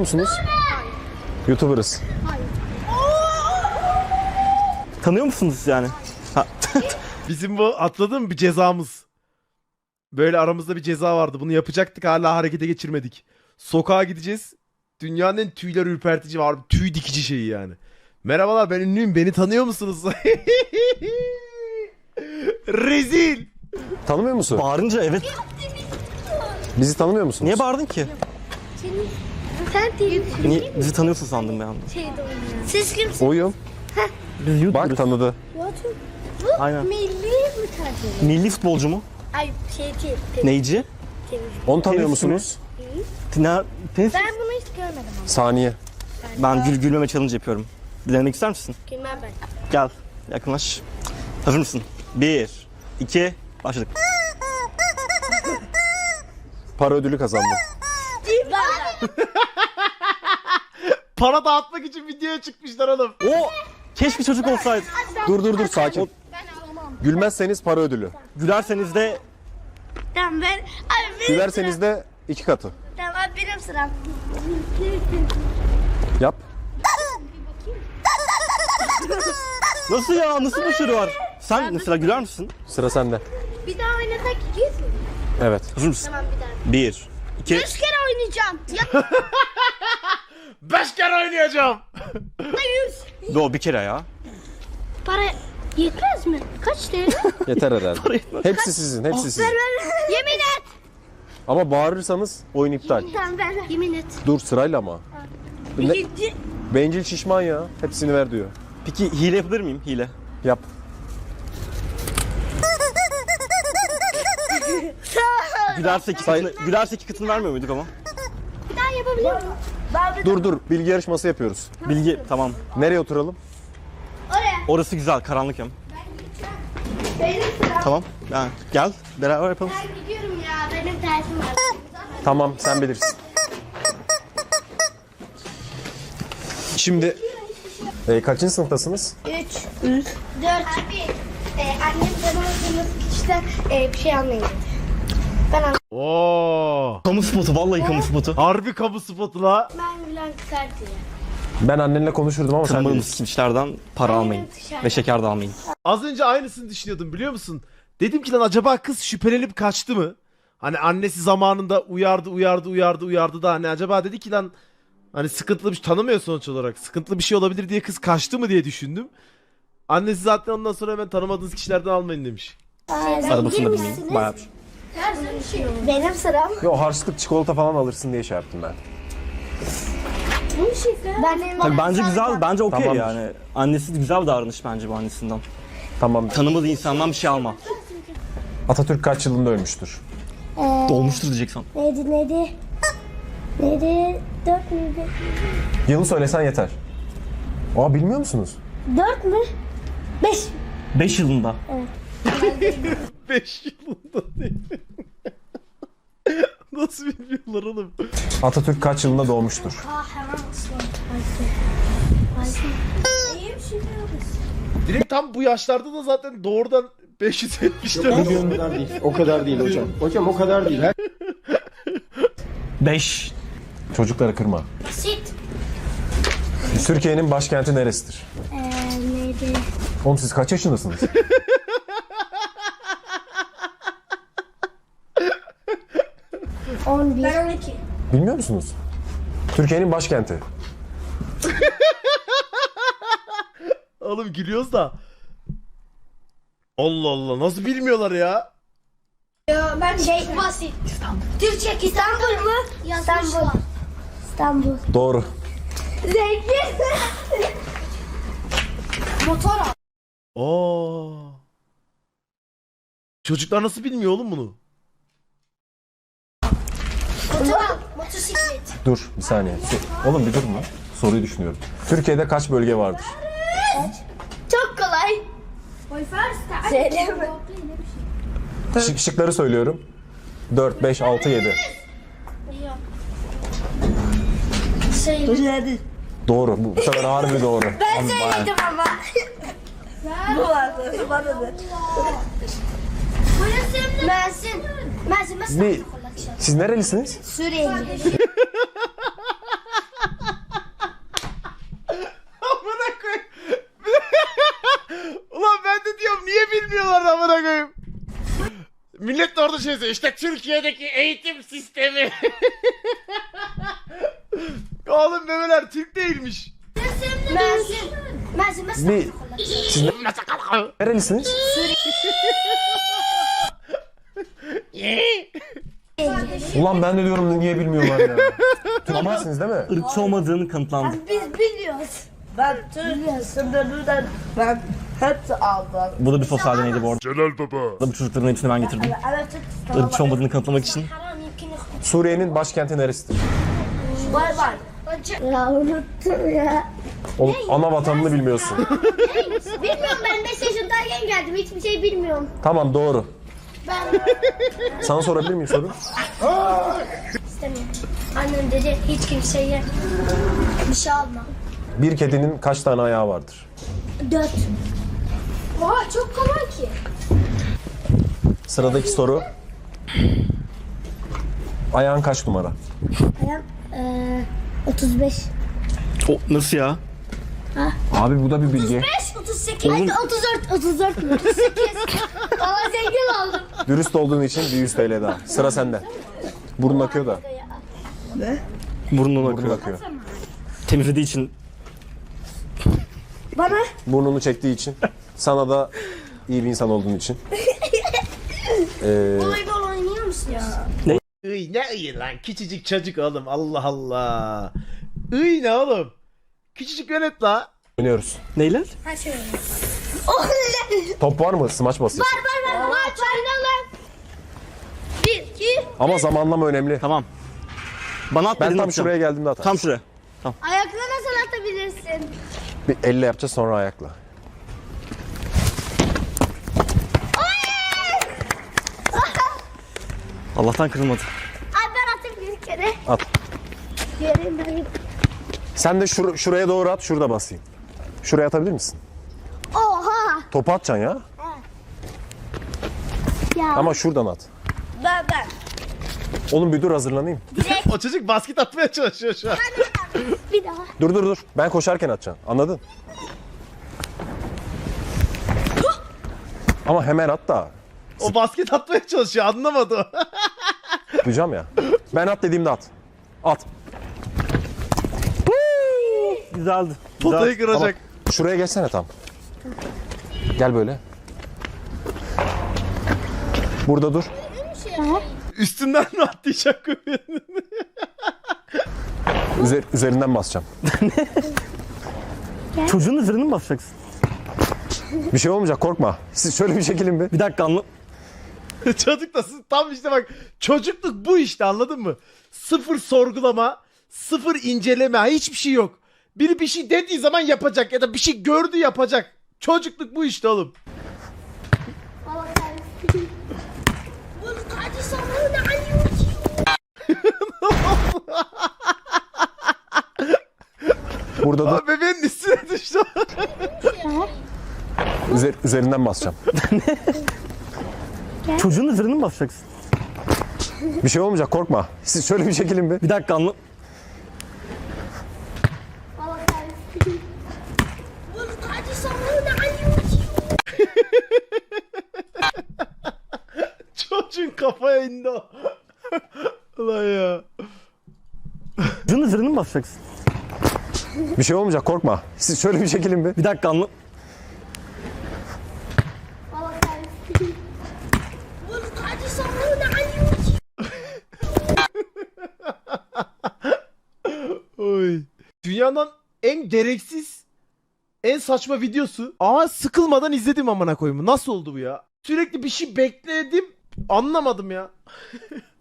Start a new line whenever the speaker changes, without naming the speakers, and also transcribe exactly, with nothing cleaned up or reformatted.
musunuz?
Hayır.
YouTuber'ız.
Hayır.
Tanıyor musunuz yani? Ha.
Bizim bu atladın mı bir cezamız. Böyle aramızda bir ceza vardı. Bunu yapacaktık, hala harekete geçirmedik. Sokağa gideceğiz. Dünyanın en tüyler ürpertici var. Tüy dikici şeyi yani. Merhabalar, ben ünlüyüm. Beni tanıyor musunuz? Rezil.
Tanımıyor musun?
Bağırınca evet.
Bizi tanımıyor musunuz?
Niye bağırdın ki?
Senin... Sen değil.
Niye? Bizi tanıyorsun sandım ben.
Şeyde oynuyor. Siz kimsiniz?
Oyum.
Biz YouTuber'ız.
Bak tanıdı.
YouTube. Bu
Aynen.
milli mi tercih?
Milli futbolcu mu?
Ay şey değil. Tenis.
Neyci?
Tenis.
Onu tanıyor
Tenis mi?
musunuz?
Tina, tenis.
Ben bunu hiç görmedim ama.
Saniye.
Ben gül gülmeme challenge yapıyorum. Denemek ister misin?
Gülmem ben.
Gel. Yakınlaş. Hazır mısın? Bir, iki, başladık.
Para ödülü kazandım.
Para dağıtmak için videoya çıkmışlar oğlum.
O keşke çocuk olsaydı.
Dur dur dur sakin.
Ben alamam.
Gülmezseniz para ödülü.
Gülerseniz de
Tamam ben. Abi benim
Gülerseniz de iki katı.
Tamam abi benim sıram.
Yap.
nasıl ya? Nasıl başarı var? Sen mesela güler misin?
Sıra sende.
Bir daha oynasak ikiyiz mi?
Evet.
Hazır mısın?
Tamam bir daha.
Bir, iki.
Üç kere oynayacağım. Ya
Beş kere oynayacağım.
da yüz.
Do bir kere ya.
Para yetmez mi? Kaç T L?
Yeter herhalde. Hepsi sizin, hepsi sizin.
Yemin et.
Ama bağırırsanız oyun iptal.
Tamam ver ver. Yemin et.
Dur sırayla ama. Ne?
İkinci.
Bencil şişman ya. Hepsini ver diyor.
Peki hile yapabilir miyim? Hile.
Yap.
Gülerse iki katını, gülerse iki katını vermiyor muyduk ama?
Bir daha yapabilir miyim?
Dur dur. Bilgi yarışması yapıyoruz.
Bilgi tamam.
Nereye oturalım?
Oraya.
Orası güzel, karanlık hem.
Benim sıram.
Tamam. Yani gel beraber yapalım.
Ben gidiyorum ya. Benim dersim var.
Tamam sen bilirsin. Şimdi e, kaçıncı sınıftasınız?
Üç. Üç. Dört. Abi e, annem bana sınıf işte e, bir şey anlayın. Ben anladım.
Oo.
Kamu spotu, vallahi kamu spotu.
Harbi kamu spotu la.
Ben Bülent Kart ya.
Ben annenle konuşurdum ama sen
Kırmadığımız
bilirsin.
kimselerden para
Aynen,
almayın.
dışarıda.
Ve şeker de almayın.
Az önce aynısını düşünüyordum, biliyor musun? Dedim ki lan acaba kız şüphelenip kaçtı mı? Hani annesi zamanında uyardı uyardı uyardı uyardı da hani acaba dedi ki lan hani sıkıntılı bir şey tanımıyor sonuç olarak. Sıkıntılı bir şey olabilir diye kız kaçtı mı diye düşündüm. Annesi zaten ondan sonra hemen tanımadığınız kişilerden almayın demiş.
Arabasını da bilmeyin. Bayağı.
Benim sıram.
Yo harçlık çikolata falan alırsın diye şey yaptım ben.
Bu şifre. Ben
Tabii bence güzel, bence okey
Tamamdır.
yani. Annesi güzel bir davranış bence bu annesinden.
Tamam.
Tanımadığı insandan bir şey alma.
Atatürk kaç yılında ölmüştür?
Dolmuştur diyeceksin.
Neydi neydi? Neydi? Dört müydü?
Yılı söylesen yeter. Aa bilmiyor musunuz?
Dört mü? Beş.
Beş yılında.
beş yılında değil. Nasıl bilmiyorlar oğlum?
Atatürk kaç yılında doğmuştur?
Aa hemen ıslandı. İyiyim şimdi yapız.
Direkt tam bu yaşlarda da zaten doğrudan beş yüz yetmiş dört.
O kadar değil. O kadar değil hocam. Hocam o kadar değil. Her
Beş.
Çocukları kırma.
Sit.
Türkiye'nin başkenti neresidir?
Eee neydi?
Oğlum siz kaç yaşındasınız?
On bir. Ben on iki.
Bilmiyor musunuz? Türkiye'nin başkenti.
Oğlum gülüyoruz da. Allah Allah, nasıl bilmiyorlar ya?
Ya ben şey basit. İstanbul. Türkçe İstanbul mu? İstanbul. İstanbul.
Doğru.
Zengin. Motor al.
Oo. Çocuklar nasıl bilmiyor oğlum bunu?
Motor al. Motosiklet.
Dur bir saniye. So- Oğlum bir durma. Soruyu düşünüyorum. Türkiye'de kaç bölge vardır?
Çok kolay. Söyleme.
Şık şıkları söylüyorum. dört, beş, altı, yedi.
Söyle.
Doğru. Bu, bu sefer harbi doğru.
Ben söyledim ama. Bu vardı. Bana da. Mersin. Mersin. Mersin.
Bir, siz nerelisiniz?
Suriyeli.
orada şey yazıyor. İşte Türkiye'deki eğitim sistemi. Oğlum memeler Türk değilmiş.
Mersin. Mersin. Mersin.
Bir, siz ne- nerelisiniz? Ulan ben de diyorum niye bilmiyorlar ya. Türkmensiniz değil mi?
Irkçı olmadığını kanıtlandı.
Biz biliyoruz.
Ben Türkiye sınırından ben hepsi aldım.
Bu da bir sosyal deneydi bu arada.
Celal baba.
Bu çocukların hepsini ben getirdim.
Evet, Türk
Irkçı olmadığını kanıtlamak için.
Suriye'nin başkenti neresidir?
Bay bay.
Ya unuttum ya.
Oğlum ana vatanını bilmiyorsun.
Bilmiyorum, ben beş yaşındayken geldim. Hiçbir şey bilmiyorum.
Tamam doğru.
Ben
Sana sorabilir miyim soru?
istemiyorum. Annem dedi hiç kimseye bir şey alma.
Bir kedinin kaç tane ayağı vardır?
Dört. Oha, çok kolay ki.
Sıradaki soru. Ayağın kaç numara?
Ayağım eee otuz beş.
O nasıl ya?
Abi bu da bir bilgi.
beş, otuz sekiz. Hadi otuz dört, otuz dört, otuz sekiz. Valla zengin oldum.
Dürüst olduğun için bir yüz T L daha. Sıra sende. Burnun akıyor da.
Burnundan
Burnun
akıyor.
akıyor.
Temizlediği için.
Bana
Burnunu çektiği için. Sana da iyi bir insan olduğun için. Ee,
voleybol oynuyor musun ya?
Iy ne iyi lan, küçücük çocuk oğlum, Allah Allah. Iy ne oğlum? Küçücük velet la.
oynuyoruz.
Neyler?
Ha şöyle. Oh ne?
Top var mı? Smaç basıyorsun.
Var var var. Maç oynayalım. Bir, iki.
Ama zamanlama önemli.
Tamam. Bana at
Ben
dediğini
tam
atacağım.
şuraya geldiğimde atar.
Tam şuraya.
Ayakla nasıl atabilirsin?
Bir elle yapacağız sonra ayakla.
Allah'tan kırılmadı.
Ay ben atayım bir kere.
At.
Yerim ben.
Sen de şur- şuraya doğru at, şurada basayım. Şuraya atabilir misin?
Oha.
Topu atacaksın ya.
Ya.
Ama şuradan at.
Ben ben.
Oğlum bir dur hazırlanayım.
O çocuk basket atmaya çalışıyor şu an.
Bir daha.
Dur dur dur. Ben koşarken atacaksın. Anladın? Ama hemen at da.
O basket atmaya çalışıyor, anlamadı o.
Duyacağım ya. Ben at dediğimde at. At.
Güzeldi.
Potayı
Güzel.
kıracak.
Şuraya geçsene tam. Gel böyle. Burada dur.
Üstünden mi atlayacak?
Üzer- üzerinden basacağım.
Çocuğun üzerine mi basacaksın?
Bir şey olmayacak korkma. Siz şöyle bir çekilin bir.
Bir dakika anla.
Çocuk da tam işte bak, çocukluk bu işte, anladın mı? Sıfır sorgulama, sıfır inceleme, hiçbir şey yok. Biri bir şey dediği zaman yapacak ya da bir şey gördü yapacak. Çocukluk bu işte oğlum.
Allah kahretsin. Bunu kaç sonra ne anlıyor?
Burada dur.
Abi bebeğin üstüne düştü.
Üzer- üzerinden basacağım.
Çocuğun üzerine mi basacaksın?
Bir şey olmayacak korkma. Siz şöyle bir çekilin bir.
Bir dakika anla.
Allah kahretsin. Bunu kaç sonra ne anlıyor?
Çocuğun kafaya indi o. Ulan ya.
Çocuğun üzerine mi basacaksın?
Bir şey olmayacak korkma. Siz şöyle bir çekilin bir.
Bir dakika anla.
Allah kahretsin. Bunu kaç sonra ne anlıyor?
Oy. Dünyanın en gereksiz, en saçma videosu. Ama sıkılmadan izledim amına koyayım. Nasıl oldu bu ya? Sürekli bir şey bekledim. Anlamadım ya.